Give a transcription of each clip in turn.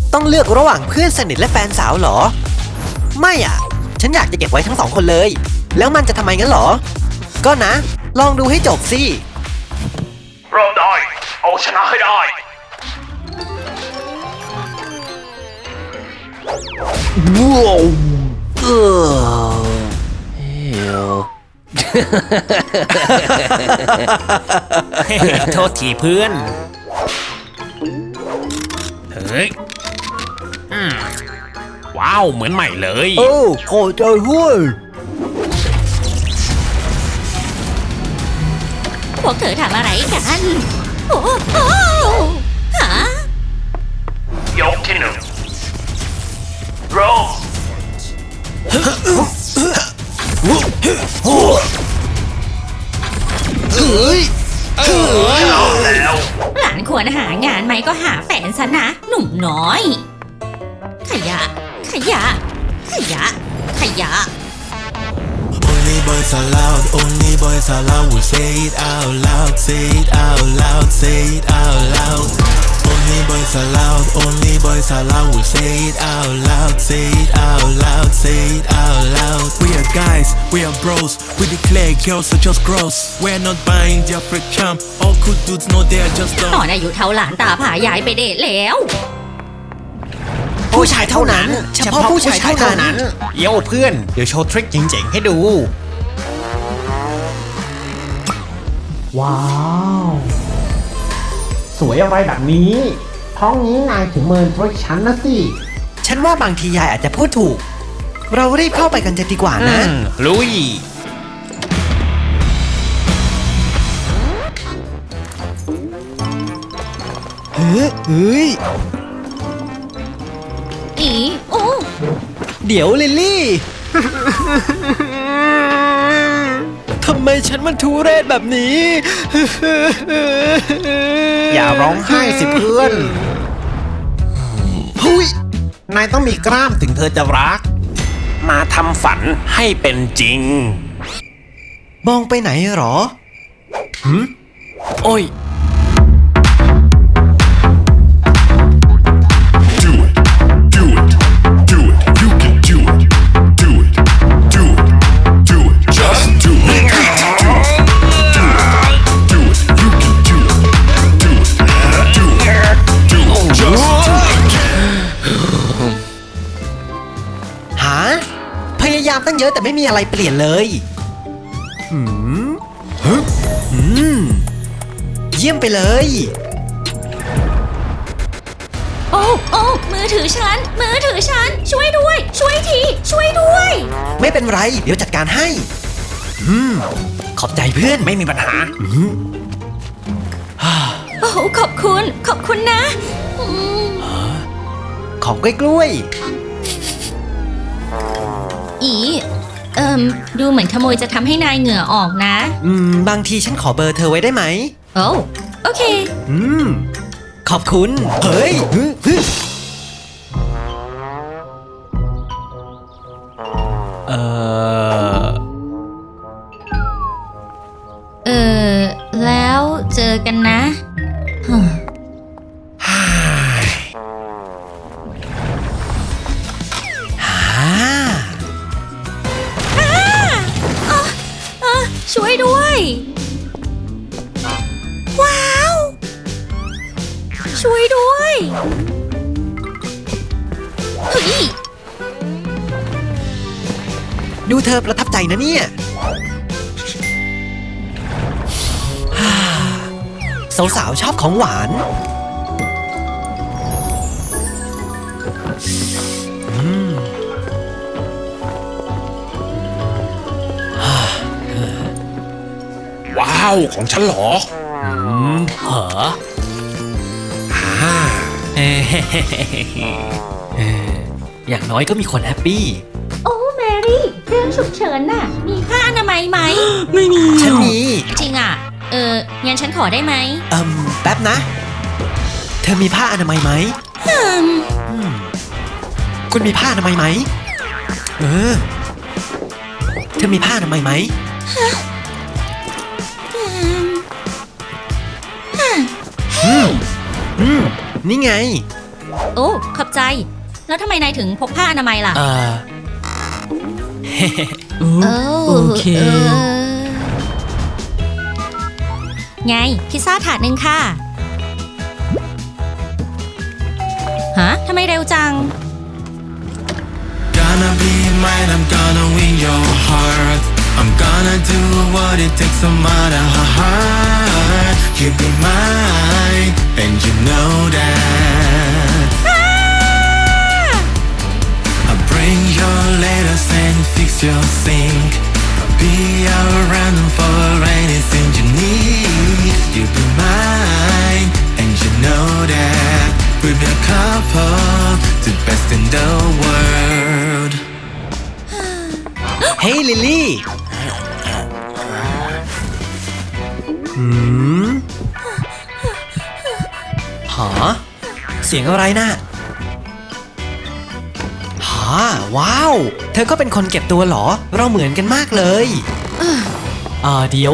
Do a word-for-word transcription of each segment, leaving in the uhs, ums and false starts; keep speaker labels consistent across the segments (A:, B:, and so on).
A: ต้องเลือกระหว่างเพื่อนสนิทและแฟนสาวเหรอไม่อ่ะฉันอยากจะเก็บไว้ทั้งสองคนเลยแล้วมันจะทำไมงั้นเหรอก็นะลองดูให้จบสิ
B: เริ่มได้เอาชนะให้ได้
A: ว้าวเออเฮล
C: โทษทีเพื่อนเฮ้ยอืมว้าวเหมือนใหม่เลย
A: โอ้ขอใจเว้ย
D: พวกเธอทำอะไรกันโอ้โอ้ฮะ
B: ยกที่หนึ่งโรส
A: เฮ้ยเฮ้ย
B: เอาแล้ว
D: หลานควรหางานไหมก็หาแฟนซะนะหนุ่มน้อยขยะขยะขยะขยะ
E: Only boys allowed, only boys allowed. We say it out loud, say it out loud, say it out loud. Only boys allowed, only boys allowed. We say it out loud, say it out loud, say it out loud. We are guys, we are bros. We declare girls are just gross. We're not buying their freak charm. All good dudes know they are just
D: ต
E: dumb.
D: อนอายุเท่าหลานตาผายายไปเดทแล้ว
A: ผู้ชายเท่านั้นเฉพาะผู้ชายเท่านั้น
C: เย้เพื่อนเดี๋ยวโชว์ทริคเจ๋งๆให้ดู
F: ว้าวสวยอะไรแบบนี้ท้องนี้นายถึงเมินเพราะฉันนะสิ
A: ฉันว่าบางทียายอาจจะพูดถูกเรารีบเข้าไปกันจะดีกว่านะ
C: ลุย
A: เฮ้ยเฮ้ย
D: อีโอ้
A: เดี๋ยวลิลลี่ทำไมฉันมันทุเรศแบบนี้
C: อย่าร้องไห้สิเพื่อนหุยนายต้องมีกล้ามถึงเธอจะรักมาทำฝันให้เป็นจริง
A: มองไปไหนหรอหืมโอ้ยพยายามตั้งเยอะแต่ไม่มีอะไรเปลี่ยนเลยหืมฮึหืมเยี่ยมไปเลย
D: โอ้โอ้มือถือฉันมือถือฉันช่วยด้วยช่วยทีช่วยด้วย
A: ไม่เป็นไรเดี๋ยวจัดการให้อืมขอบใจเพื่อน
C: ไม่มีปัญหา
D: โอ้ขอบคุณขอบคุณนะ
A: ของกล้วย
D: อีเอิมดูเหมือนขโมยจะทำให้นายเหงื่อออกนะ
A: อืมบางทีฉันขอเบอร์เธอไว้ได้ไหม
D: โอ้โอเค
A: อืมขอบคุณเฮ้ยฮึฮึเออ
D: เออแล้วเจอกันนะช่วยด้วยว้าวช่วยด้วยเฮ้ย
A: ดูเธอประทับใจนะเนี่ยสาวๆชอบของหวาน
C: ว้าวของฉันเหรออืมเหรออ่า
A: อย่างน้อยก็มีคนแฮปปี้
D: โอ้แมรี่เรื่องฉุกเฉินน่ะมีผ้าอนามัยไหม
A: ไม่มีฉันมี
D: จริงอ่ะเอองั้นฉันขอได้ไหม
A: เอิมแป๊บนะเธอมีผ้าอนามัยไหมคุณมีผ้าอนามัยไหมเออเธอมีผ้าอนามัยไหมอืมอืมนี่ไง
D: โอ้ขอบใจ แล้วทำไมนายถึงพกผ้าอนามัยล่ะ
A: เออ
D: เออ
A: โอเค
D: ไง พิซซ่าถาดหนึ่งค่ะ ฮะทำไมเร็วจัง
E: Gonna be mine, I'm gonna win your heart. I'm gonna do what it takes, no matter how hard. You be mine, and you know that. I'll bring your letters and fix your sink. I'll be around for anything you need. You be mine, and you know that. We'll be a couple, the best in the world.
A: เฮ้ยลิลลี่หืมหาเสียงอะไรนะหาว้าว เธอก็เป็นคนเก็บตัวเหรอ เราเหมือนกันมากเลยอ่าเดี๋ยว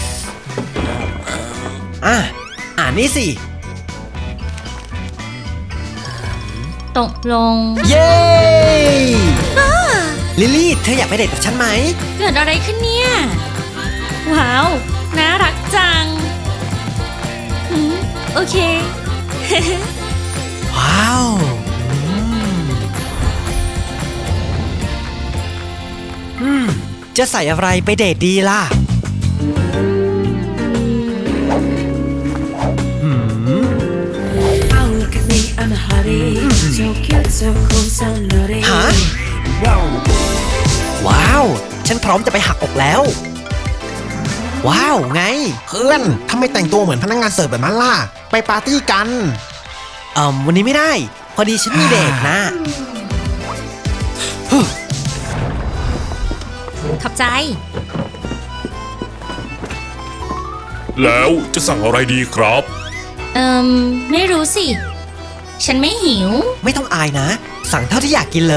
A: อ่ะ อ่านนี่สิ
D: ตกลง
A: เย้ ลิลลี่ เธออยากไปเดทกับฉันไหม
D: เกิดอะไรขึ้นเนี่ย ว้าว น่ารักจังหืมโอเค
A: ว้าวอืมอืม จะใส่อะไรไปเดทดีล่ะ อืม
G: Oh, look at me, I'm a hottie. So cute, so cool, so naughty.
A: ฮะ ว้าว ฉันพร้อมจะไปหักอกแล้ว ว้าว ไง
C: เพื่อนทำไมแต่งตัวเหมือนพนักงานเสิร์ฟแบบนั้นล่ะ ไปปาร์ตี้กัน
A: เอ่อวันนี้ไม่ได้ พอดีฉันมีเดทนะ
D: ขอบใจ
H: แล้วจะสั่งอะไรดีครับ
D: เอิมไม่รู้สิ ฉันไม่หิว
A: ไม่ต้องอายนะ สั่งเท่าที่อยากกินเลย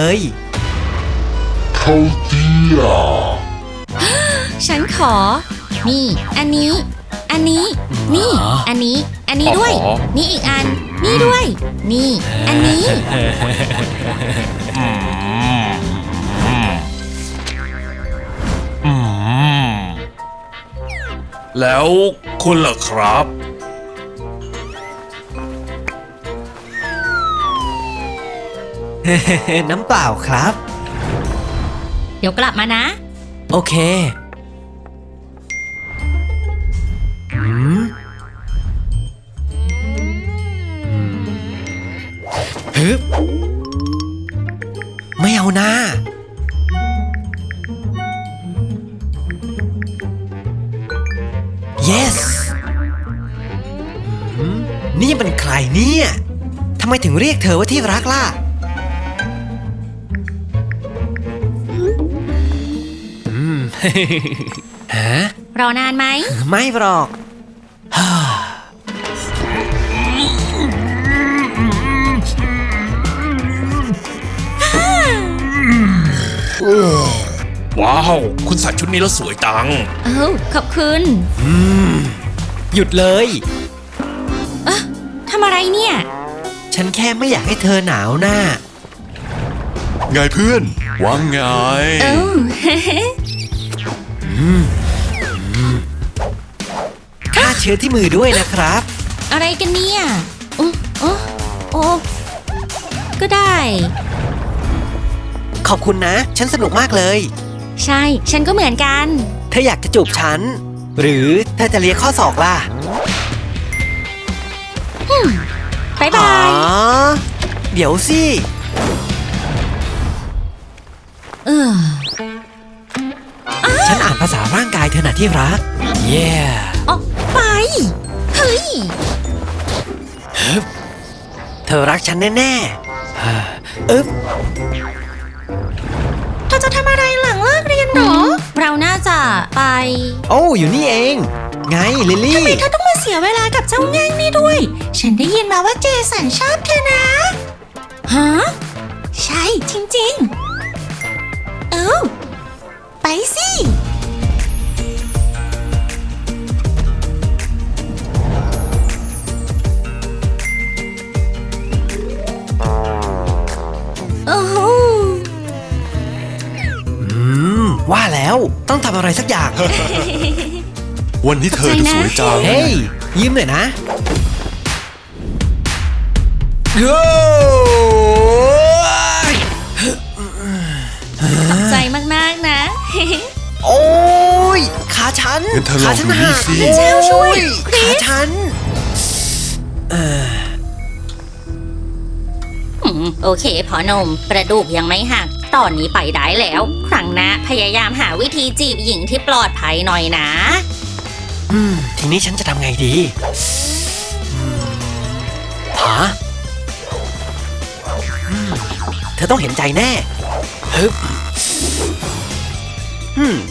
D: ฉันขอ นี่ อันนี้ อันนี้ นี่ อันนี้ อันนี้ด้วย
H: อ๋อ
D: นี่อีกอัน นี่ด้วย นี่ อันนี้
H: แล้วคุณล่ะครับ
A: น้ำเปล่าครับ
D: เดี๋ยวกลับมานะ
A: โอเคอืมอืมฮึบไม่เอาหน้า yes อืมนี่เป็นใครเนี่ยทำไมถึงเรียกเธอว่าที่รักล่ะ อืม ฮะ
D: รอนานไหม
A: ไม่หรอก
H: ว้าว คุณใส่ชุดนี้แล้วสวยจัง
D: เอ้าขอบคุณ
A: หยุดเลย
D: ทำอะไรเนี่ย
A: ฉันแค่ไม่อยากให้เธอหนาวหน้า
H: ไงเพื่อนว่าไง
D: เอ้า
A: ฆ่าเชื้อที่มือด้วยนะครับ
D: อะไรกันเนี่ยโอ้โอ้โอ้ก็ได้
A: ขอบคุณนะ ฉันสนุกมากเลย
D: ใช่ ฉันก็เหมือนกัน
A: เธออยากจะจูบฉัน หรือเธอจะเลียข้อศอกล่ะ
D: บ๊าย
A: อ๋
D: บา
A: อ
D: ย
A: เดี๋ยวสิ
D: เออ
A: ฉันอ่านภาษาร่างกายเธอหน่ะที่รัก เย้
D: ออกไป เฮ้ย
A: เธอรักฉันแน่ๆฮ่าอึ๊บ
D: เธอจะทำอะไรหลังเลิกเรียนหรอ เราน่าจะไป
A: โอ้อยู่นี่เอง ไงลิลลี่
D: ทำไมเธอต้องมาเสียเวลากับเจ้าแง่งนี่ด้วย ฉันได้ยินมาว่าเจสันชอบเธอนะ ฮะ ใช่จริงๆ เอ้าไปสิ
A: อแล้ว ต้องทำอะไรสักอย่าง
H: วันที่เธอจะสวยจัง
A: เฮ้ย ยิ้มหน่อยนะโอ้ย
D: ใจมากๆนะ
A: โอ้ยขาฉัน
H: งั้นเธอลอง
A: ขาฉัน
H: ดูนี่
A: หัก
H: สิ
A: โอ้
D: เจ้าช่วยคริส
A: ขาฉัน
D: อืมโอเคพอหนมกระดูกยังไม่หัก ตอนนี้ไปได้แล้ว ครั้งหน้าพยายามหาวิธีจีบหญิงที่ปลอดภัยหน่อยนะ
A: อืม ทีนี้ฉันจะทำไงดีอืมหาอืมเธอต้องเห็นใจแน่ฮึบอืม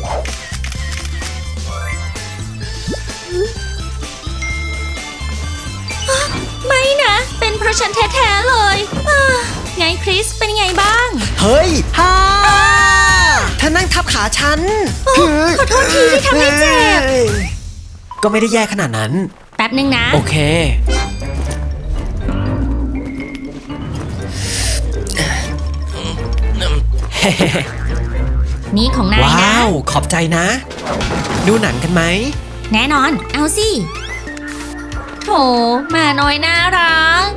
D: ไม่นะ เป็นเพราะฉันแท้ๆเลยอ่าไงคริสเป็นไงบ้าง
A: เฮ้ยฮ่าเธอนั่งทับขาฉัน
D: ขอโทษทีที่ทำให้เจ็บ
A: ฮ้ยก็ไม่ได้แย่ขนาดนั้น
D: แป๊บนึงนะ
A: โอเค
D: นี่ของนาย
A: ว้า
D: นะ
A: ว ขอบใจนะ ดูหนังกันไหม
D: แน่นอน เอาสิโถหมาน้อยน่ารัก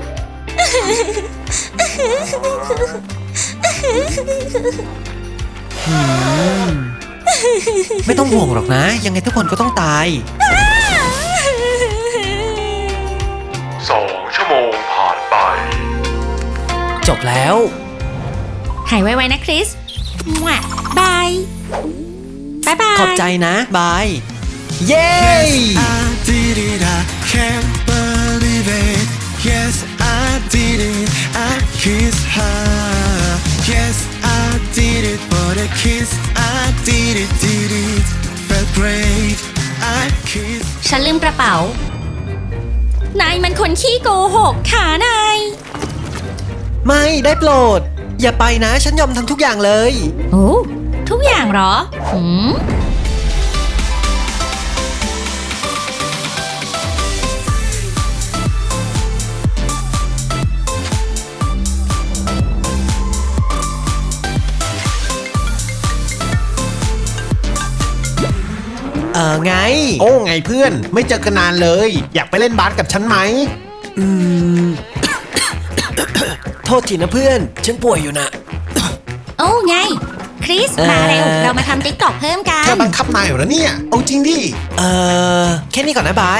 A: ไม่ต้องห่วงหรอกนะ ยังไงทุกคนก็ต้องตาย
B: สองชั่วโมงผ่านไป
A: จบแล้ว
D: หายไวๆนะคริสมั่วบาย บ๊ายบาย
A: ขอบใจนะ บาย เย้
E: I did it, I can't believe it. Yes, I did it, I kissed her. Yes, I did it for the kiss. I did it, did it. Felt great. I kissed.
D: ฉันลืมกระเป๋า นายมันคนขี้โกหกขานาย
A: ไม่ได้โปรด อย่าไปนะ ฉันยอมทำทุกอย่างเลย
D: โอ้ทุกอย่างเหรอหืม
A: เออไง
C: โอ้ไงเพื่อน ไม่เจอกันนานเลย อยากไปเล่นบาสกับฉันไหม
A: อืม โทษทีนะเพื่อน ฉันป่วยอยู่นะ
D: โอ้ไง คริส
A: เอ่อ
D: มาเร็ว เรามาทำติ๊กตอกเพิ่มกั
C: เธอน บังคับนายเหรอเนี่ย เอาจริงดิ
A: เออแค่นี้ก่อนนะบาย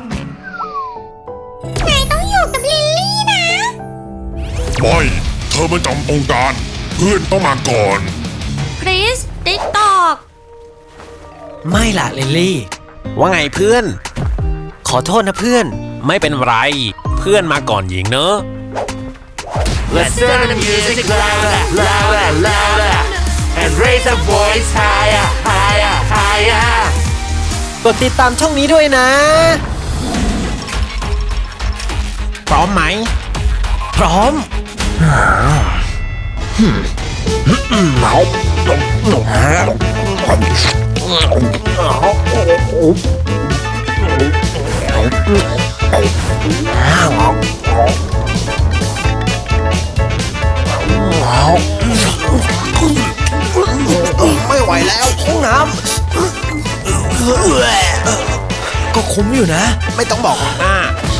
D: นายต้องอยู่กับลิลลี่นะ
H: ไม่ เธอมาจำองค์การ เพื่อนต้องมาก่อน
D: คริส ติ๊กตอก
A: ไม่ล่ะเลนลี่
C: ว่าไงเพื่อน
A: ขอโทษนะเพื่อน
C: ไม่เป็นไร เพื่อนมาก่อนหญิงเนอะ
B: Let's turn the music louder, louder, louder, and raise the voice higher, higher, higher.
A: กดติดตามช่องนี้ด้วยนะ
C: พร้อมไหม
A: พร้อม
C: ไม่ไหวแล้ว
A: ห้องน้ำ ก็คุ้มอยู่นะ
C: ไม่ต้องบอกหน้า ฉ